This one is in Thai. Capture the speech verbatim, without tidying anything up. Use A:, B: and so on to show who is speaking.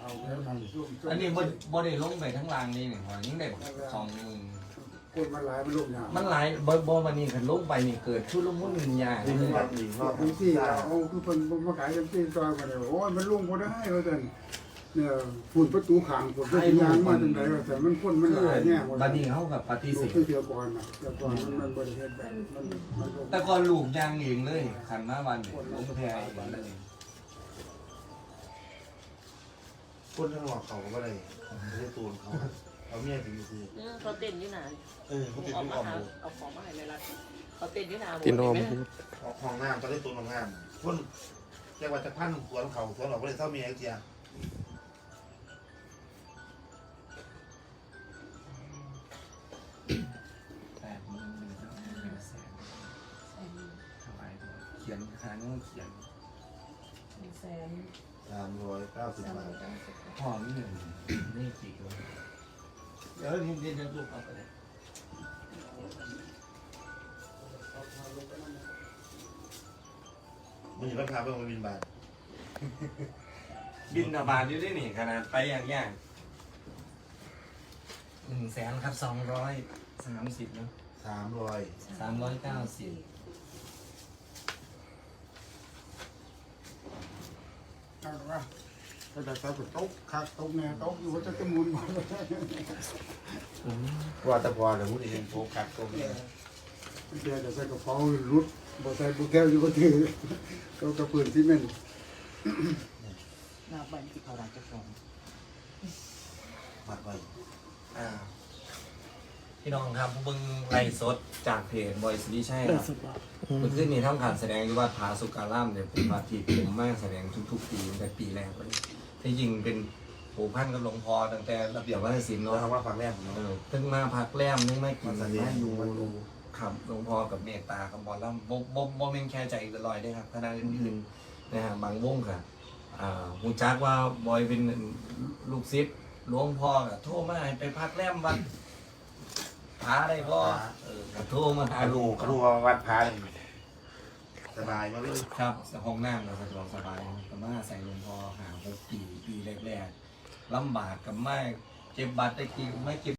A: อันนี้บนบนได้ลงไปทั้งรางนี่หนึ่งหอยยิ่งได้สองหมื่น
B: คนมันหลายมันลงยา
A: มันหลายบนบนวันนี้ขันลงไปนี่เกิดชุดลงมุ่นยา
B: นี่คือความดีเนาะพื้นที่เอาคือคนมาขายพื้นที่ซอยมาเลยโอ้ยมันลงพอได้เพราะฉะนั้นเนี่ยฝุ่นประตูขังฝุ่นประตูยางมาตรงไหนแต่มันพ่นมันหลายเนี่ย
A: บัดนี้เขากับปฏิเสธ
B: คือเดียวก่อนนะเดียวก่อนมันบริเวณแบบมัน
A: แต่ก่อนลูกยางเองเลยขันมาวันลงแพรเองเลย
C: คนทั้งหลอกเขาก็เลยไม่ได้ตูนเขาเขาเมียถึงซื้อ
D: เขาเต้นยี่หนา
C: เออเขาเต้น
D: ออกมา
C: ที่ออม
D: เอาของมาให้ในรัฐเขาเต้นยี่หนา
E: ตินอม
C: ออกห้องน้ำก็ได้ตูนห้องน้ำคนแจ้งว่าจะพันสวนเขาสวนเราก็เลยเท่าเมียเจีย
A: เขียนหาเนื้อเขียน
D: แสน
C: สามร้อยเก้าสิบบาท
A: พ่อนี่หนึ่งนี่กี่ตัวเดี๋ยวนี่เดี๋ยวลูกเอาไปเลย
C: มันอยู่ราคาเพิ่มมาบินบาท
A: บินบาทอยู่ด้วยนี่ขนาดไปอย่างย่างหนึ่งแสนครับสองร้อยสามสิบเนาะ
C: สามร้อย
A: สามร้อยเก้าสิบ
B: ก็จะใช้เป็นโต๊ะคักโต๊ะเนี่ยโต๊ะอยู่ว่าจะจะมุนหมด
C: ว่าแต่พอแต่พูดเองโฟกัสตรงนี้
B: เดี๋ยวจะใส่กระเป๋ารุดบ่ใส่บุแก้วอยู่ก็ถือก็กระปืนที่มัน
D: หน้าบ้านที่เขาดังจะฟ้อง
C: มัดไว้
A: อ่าพี่น้องครับเบิ้งไล่สดจากเพจบอยสิริชัยครับเมื่อคืนนี้ทำการแสดงที่วัดผาสุการามเนี่ยเป็นวัดที่ผมมาแสดงทุกๆปีตั้งแต่ปีแรกเลยที่จริงเป็นผูกพันกับหลวงพ่อตั้งแต่ระเบียบวัฒนศิลป์
C: เรา
A: เนาะ
C: ทำว่าความแรก
A: เออถึงมาพักแรมนึงไม่กินมาอยู่ขับหลวงพ่อกับเมตตากับบอลล่ำบ่บ่บ่เป็นแค่ใจลอยได้ครับคณะอื่นๆนะฮะบางวงค่ะอ่าหูจักว่าบอยเป็นลูกศิษย์หลวงพ่อก็โทรมาให้ไปพักแรมวัดพาได้พ่อเออโทรมาหา
C: อา
A: ลู
C: ลู
A: ก
C: กลูกวัดพาสบายมากเลย
A: ครับห้องน้ำเราสะดวกสบายก็มาใส่หลวงพ่อหาหกปีปีแรกๆลำบากกับไม่เก็บบัตรได้กี่ไม่เก็บ